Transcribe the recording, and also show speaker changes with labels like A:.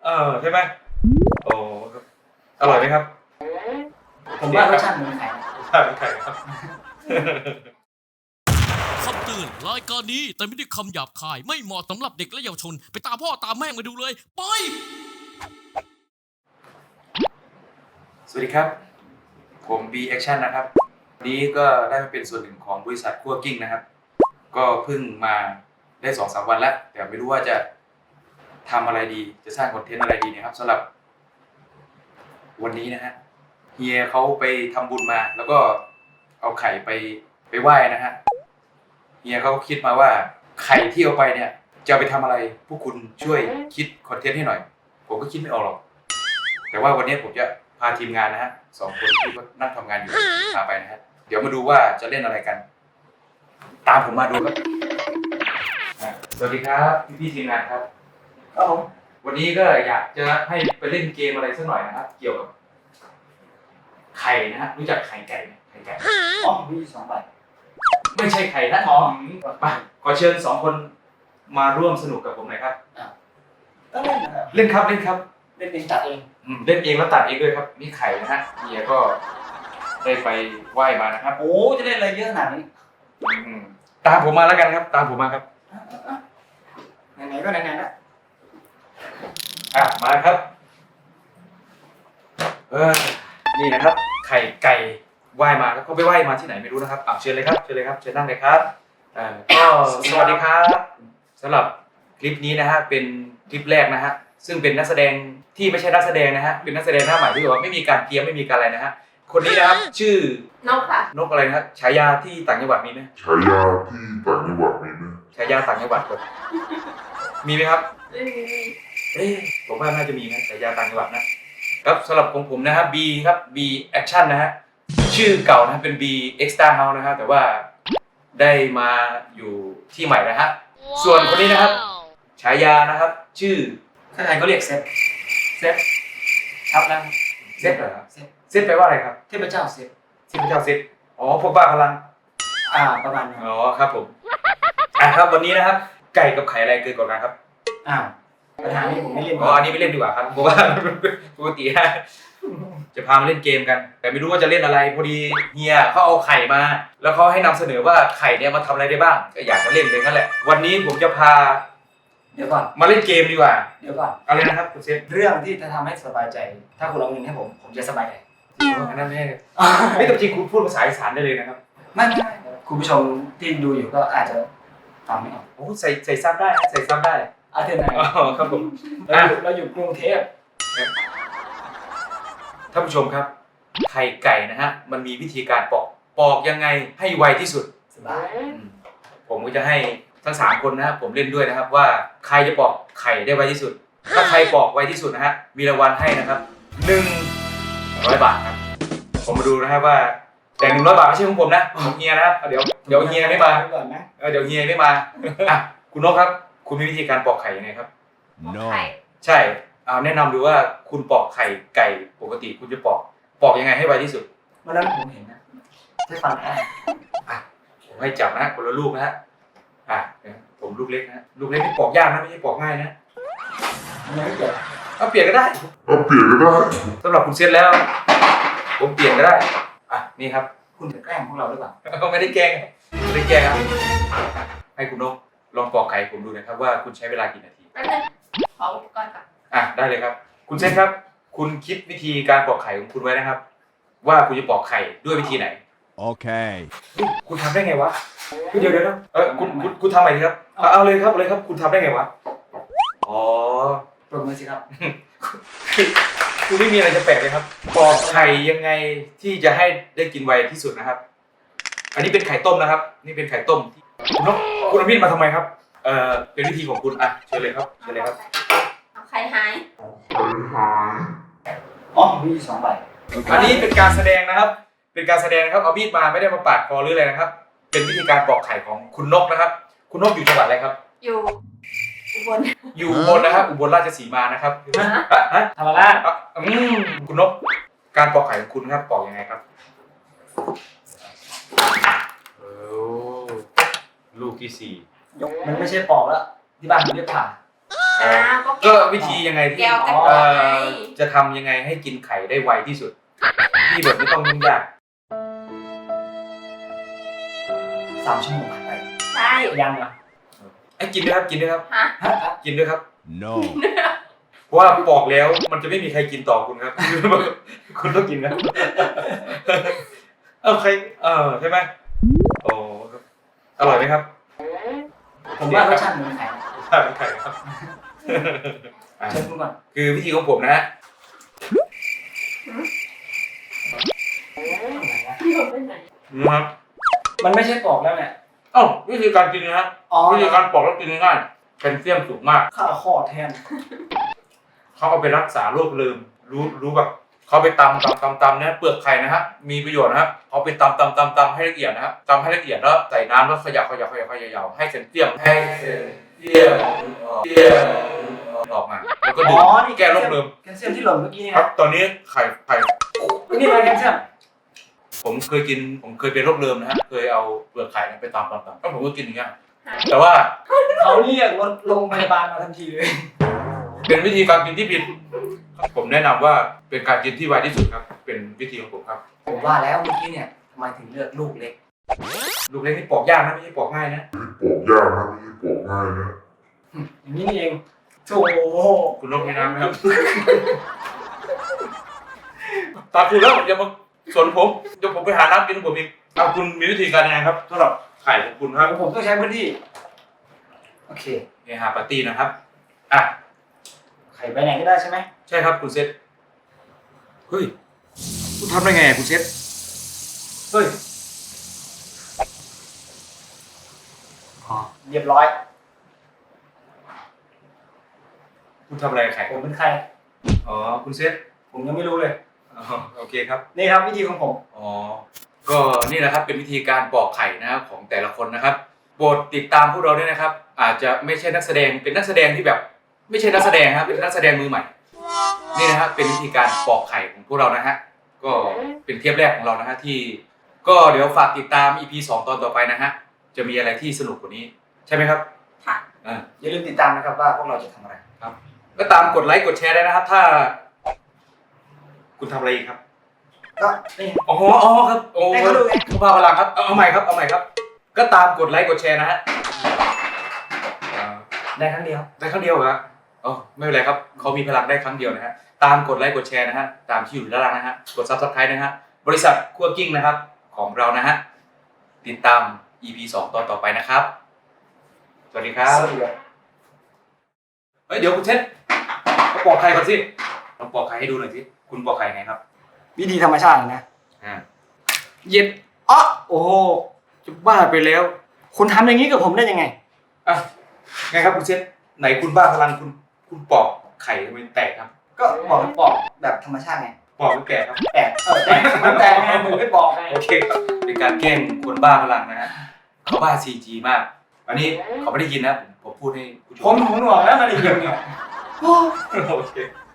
A: ใช่ไหมโอ้อร่อยไหมครับ
B: ผมว่ารสชาติเหมือนไข่
A: รสชาติเหมือนไข่ครับ
C: คำเตือนรายการนี้แต่ไม่ได้คำหยาบคายไม่เหมาะสำหรับเด็กและเยาวชนไปตามพ่อตามแม่มาดูเลยไป
A: สวัสดีครับผม B Action นะครับวันนี้ก็ได้มาเป็นส่วนหนึ่งของบริษัทคั่วกิ้งนะครับก็เพิ่งมาได้ 2-3 วันแล้วแต่ไม่รู้ว่าจะทำอะไรดีจะสร้างคอนเทนต์อะไรดีนะครับสำหรับวันนี้นะฮะเฮียเขาไปทำบุญมาแล้วก็เอาไข่ไปไหว้นะฮะเฮียเขาคิดมาว่าไข่ที่เอาไปเนี่ยจะเอาไปทำอะไรพวกคุณช่วยคิดคอนเทนต์ให้หน่อยผมก็คิดไม่ออกหรอกแต่ว่าวันนี้ผมจะพาทีมงานนะฮะ2 คนที่นั่งทำงานอยู่พาไปนะฮะเดี๋ยวมาดูว่าจะเล่นอะไรกัน ตามผมมาดูครับสวัสดีครับพี่ทีมงานครับวันนี้ก็อยากจะให้ไปเล่นเกมอะไรสักหน่อยนะครับเกี่ยวกับไข่นะฮะรู้จักไข่ไก่ไหมไข่ไก่
B: มี2 ใบ
A: ไม่ใช่ไข่นะมาขอเชิญ2 คนมาร่วมสนุกกับผมหน่อยครับ
B: ก็เล่นนะครับ
A: เล่นครับเล่นครับ
B: เล่นเองตัดเอง
A: เล่นเองแล้วตัดเองด้วยครับนี่ไข่นะฮะเฮียก็ได้ไปไหว้มานะครับ
B: โอ้จะเล่นอะไรเยอะขนาดนี้
A: ตามผมมาแล้วกันครับตามผมมาครับ
B: ไหนๆก็ไหนๆละ
A: มาครับนี่นะครับไข่ไก่ไหว้มาแล้วก็ไปไหว้มาที่ไหนไม่รู้นะครับเชิญเลยครับเชิญเลยครับเชิญนั่งเลยครับก็สวัสดีครับสำหรับคลิปนี้นะฮะเป็นคลิปแรกนะฮะซึ่งเป็นนักแสดงที่ไม่ใช่นักแสดงนะฮะเป็นนักแสดงหน้าใหม่ที่แบบว่าไม่มีการเตรียมไม่มีการอะไรนะฮะคนนี้นะครับชื่อน
D: กค่ะ
A: นกอะไรนะครับฉายาที่ต่างจังหวัดมีไหม
E: ฉายาที่ต่างจังหวัดมีไหม
A: ฉายาต่างจังหวัดครับมีไหมครับ
D: ไม่มี
A: ผมว่าน่าจะมีนะฉายาต่างจังหวัดนะครับสำหรับของผมนะครับ B ครับ B Action นะฮะชื่อเก่านะเป็น B Extra House นะฮะแต่ว่าได้มาอยู่ที่ใหม่นะฮะส่วนคนนี้นะครับฉายานะครับชื่อ
B: ใครๆก็เรียกเซฟชับแล้ว
A: เซฟเหรอครับเซฟแปลว่าอะไรครับ
B: เทพเจ้าเซฟ
A: เทพเจ้าเซฟพวกบ้าพลัง
B: ประมาณนั้น
A: ครับผมครับวันนี้นะครับไก่กับไข่อะไรเกินกว่ากันครับ
B: ปัญหานี้ผมไม่เล่น
A: อันนี้ไม่เล่นดีกว่าครับเพราะว่าปกติจะพามาเล่นเกมกันแต่ไม่รู้ว่าจะเล่นอะไรพอดีเฮียเขาเอาไข่มาแล้วเขาให้นำเสนอว่าไข่เนี่ยมาทำอะไรได้บ้างก็อยากจะเล่นเลยนั่นแหละวันนี้ผมจะพา
B: เดี๋ยวก่อน
A: มาเล่นเกมดีกว่า
B: เดี๋ยวก่อน
A: อะไรนะครับคุณเซฟ
B: เรื่องที่จะทำให้สบายใจถ้าคุณเอาเงินให้ผมจะสบายใจ
A: อันนั้นไม่แต่จริงคุณพูดภาษาอีสานได้เลยนะครับ
B: ไม่คุณผู้ชมที่ดูอยู่ก็อาจจะฟังไม่ออก
A: ใส่ซับได้ใส่ซับได้
B: เทนไหน
A: ครับผม
B: เราอยู่กรุงเทพ
A: ท่านผู้ชมครับไข่ไก่นะฮะมันมีวิธีการปอกยังไงให้ไวที่สุด
B: สบาย
A: ผมก็จะให้ทั้ง3 คนนะครับผมเล่นด้วยนะครับว่าใครจะปอกไข่ได้ไวที่สุดถ้าใครปอกไวที่สุดนะฮะมีรางวัลให้นะครับ100 บาทครับผมมาดูนะครับว่าแต่100 บาทไม่ใช่ของผมนะของเฮียนะครับเดี๋ยวเฮียไม่มาเดี๋ยวเฮียไม่มาคุณนกครับคุณมีวิธีการปอกไข่ยังไงครับ
D: No
A: ใช่แนะนำดูว่าคุณปอกไข่ไก่ปกติคุณจะปอกยังไงให้ไวที่สุด
B: วันนั้นผมเห็นนะใช้ฟัน
A: ผมให้จับนะคนละลูกนะฮะผมลูกเล็กนะลูกเล็กที่ปอกยากนะไม่ใช่ปอกง่ายนะ
B: ไม่เปลี่ยน
A: เปลี่ยนก็ได้สำหรับคุณเซตแล้วผมเปลี่ยนก็ได้นี่ครับ
B: คุณจะแกล้งพวกเราหรือเปล่า
A: ไม่ได้แกล้งครับให้คุณนกลองปอกไข่ผมดูนะครับว่าคุณใช้เวลากี่นาที
D: แป๊บนึงขออุปกรณ์ก่อน
A: ได้เลยครับคุณเซตครับคุณคิดวิธีการปอกไข่ของคุณไว้นะครับว่าคุณจะปอกไข่ด้วยวิธีไหน
E: โอเค
A: คุณทำได้ไงวะเดี๋ยวคุณทำอะไรครับเอาเลยครับคุณทำได้ไงวะ
B: ปรบมือสิครับ
A: คุณไม่มีอะไรจะแปลกเลยครับปอกไข่ยังไงที่จะให้ได้กินไวที่สุดนะครับอันนี้เป็นไข่ต้มนะครับนี่เป็นไข่ต้มคุณเอามีดมาทำไมครับเป็นวิธีของคุณเชิญเลยครับ
D: เอาไข่หาย
B: มี2 ใบ
A: อันนี้เป็นการแสดงนะครับเอามีดมาไม่ได้มาปาดคอหรืออะไรนะครับเป็นวิธีการปอกไข่ของคุณนกนะครับคุณนกอยู่จังหวัดอะไรครับ
D: อยู่อุบล
A: นะครับอุบลราชสีมานะครับ
B: ธรรมราช
A: คุณนกการปอกไข่ของคุณครับปอกยังไงครับลูกที่4
B: มันไม่ใช่ปอกแล้วที่บ้านผมเรียกผ่า
D: อ้าว
A: ก็วิธียังไงที่
D: แก้วแต่
A: เอ่
D: ก่อนไง
A: จะทำยังไงให้กินไข่ได้ไวที่สุด ที่แบบไม่ต้องยุ่งยาก
B: 3 ชั่วโมงผ่านไป
D: ใช่
B: ยังเหรอ
A: ไอ้กินด้วยครับกินด้วยครับ
D: ฮะ
A: กินด้วยครับ
E: No.
A: เพราะว่าบอกแล้วมันจะไม่มีใครกินต่อคุณครับ คุณต้องกินครับ ใครใช่ไหมโอ้ครับอร่อยไหมครับ
B: ผมว่ารสชาติเหมือนไข่
A: ใช่เป็นไข่ครับอ่ะ
B: เชิญคุณก่อน
A: คือวิธีของผมนะฮะ
D: พี่ผมไปไหน
A: นะครับ
B: มันไม่ใช่ปอกแล้วเนี่ย
A: วิธีการกินนะครับ
B: อ๋อ
A: วิธีการปอกแล้วกินง่ายๆแคลเซียมสูงมาก
B: ข้าวข้อแทน
A: เขาเอาไปรักษาโรคลืมรู้แบบเขาไปตำเนี่ยเปลือกไข่นะฮะมีประโยชน์นะครับเอาไปตำให้ละเอียดนะครับตำให้ละเอียดแล้วใส่น้ำแล้วขยับให้แคลเซียมออกมาแล้วก็ดื่มแก้โรคลืม
B: แคลเซียมที่หล่นเมื่อกี้นี่
A: ครั
B: นะ
A: บตอนนี้ไข่
B: นี่มันแคลเซียม
A: ผมเคยเป็นโรคลืมนะฮะเคยเอาเปลือกไข่ไปตำแล้วผมก็กินอย่างเงี้ยแต่ว่า
B: เขาเรียกรถโรงพยาบาลมาทันทีเลย
A: เป็นวิธีการกินที่ผิดผมแนะนำว่าเป็นการกินที่ไวที่สุดครับเป็นวิธีของผมครับ
B: ผมว่าแล้วเมื่อกี้เนี่ยทำไมถึงเลือกลูกเล็ก
A: ลูกเล็กนี่ปอกยากนะไม่ใช่ปอกง่ายนะ
E: ปลูกยากนะไม่ใช่ปลูกง่ายนะ
B: อย่างนี้นี่เองโถ
A: คุณลงในน้ำไหมครับ ตามคุณแล้วอย่ามาสนผมเดี๋ยวผมไปหาน้ำกินผมเองเอาคุณมีวิธีการยังไงครับสำหรับไข่ของคุณครับ
B: ผมต้องใช้พื้นที่ โอเค
A: เฮฮาปาร์ตี้นะครับอ่ะ
B: ไข่ไปไหนก็ได้ใช่ไหม
A: ใช่ครับคุณเซตเฮ้ยคุณทำได้ไงคุณเซตเฮ้ย
B: อ๋อเรียบร้อย
A: คุณทำอะไรกับไข่
B: ผมเป็นใคร
A: อ๋อคุณเซต
B: ผมยังไม่รู้เลย
A: อ๋อโอเคครับ
B: นี่ครับวิธีของผม
A: อ๋อ ก็นี่นะครับเป็นวิธีการปอกไข่นะครับของแต่ละคนนะครับโปรดติดตามพวกเราด้วยนะครับ อาจจะไม่ใช่นักแสดงเป็นนักแสดงที่แบบ ไม่ใช่นักแสดงครับเป็นนักแสดงมือใหม่ นี่นะครับเป็นวิธีการปอกไข่ของพวกเรานะฮะก็เป็นเทปแรกของเรานะฮะที่ ก็เดี๋ยวฝากติดตาม EP 2 ตอนต่อไปนะฮะจะมีอะไรที่สนุกกว่านี้ ใช่ไหมครับ
D: ค่ะ
B: อย่าลืมติดตามนะครับว่าพวกเราจะทำอะไร
A: ก็ตามกดไลค์กดแชร์ได้นะครับ ถ้า คุณทำอะไรอีกครับ
B: ก็นี่
A: อ๋อครับโอ้
B: ให้เขาดูไง
A: เขาพาพลังครับเอาใหม่ครับ ก็ตามกดไลค์กดแชร์นะฮะ
B: ได้ครั้งเดียว
A: ได้ครั้งเดียวเหรออ๋อไม่เป็นไรครับเขามีพลังได้ครั้งเดียวนะฮะตามกดไลค์กดแชร์นะฮะตามที่อยู่ด้านล่างนะฮะกด Subscribe นะฮะบริษัทคั่วกิ้งนะครับของเรานะฮะติดตาม EP 2 ตอนต่อไปนะครับสวัสดีครับ
B: สวัสดีครับ
A: เฮ้ยเดี๋ยวคุณเท็ดมาปอกไข่ก่อนสิลองปอกไข่ให้ดูหน่อยสิคุณปอกไข่ไงครับ
B: วิธีธรรมชาตินะ
A: เย็น
B: อ๋อโอ้โห
A: จะบ้าไปแล้ว
B: คุณทำอย่างนี้กับผมได้ยังไง
A: อ่ะไงครับคุณเท็ดไหนคุณบ้าพลังคุณปอกไข่ทำไมแตกครับ
B: ก็บอกให้ปอกแบบธรรมชาติไง
A: ปอกไม่แตกครับ
B: แตกแตกมันแตกไงมึงไม่บอกไง
A: โอเคครับเป็นการแกล้งคนบ้าพลังนะฮะเขาบ้า CG มาก อันนี้เขาไม่ได้ยินนะผมพูดให้ผู้ช
B: ผมหูหนวกแล้วมันได้ยินเนี่ย
A: โอเค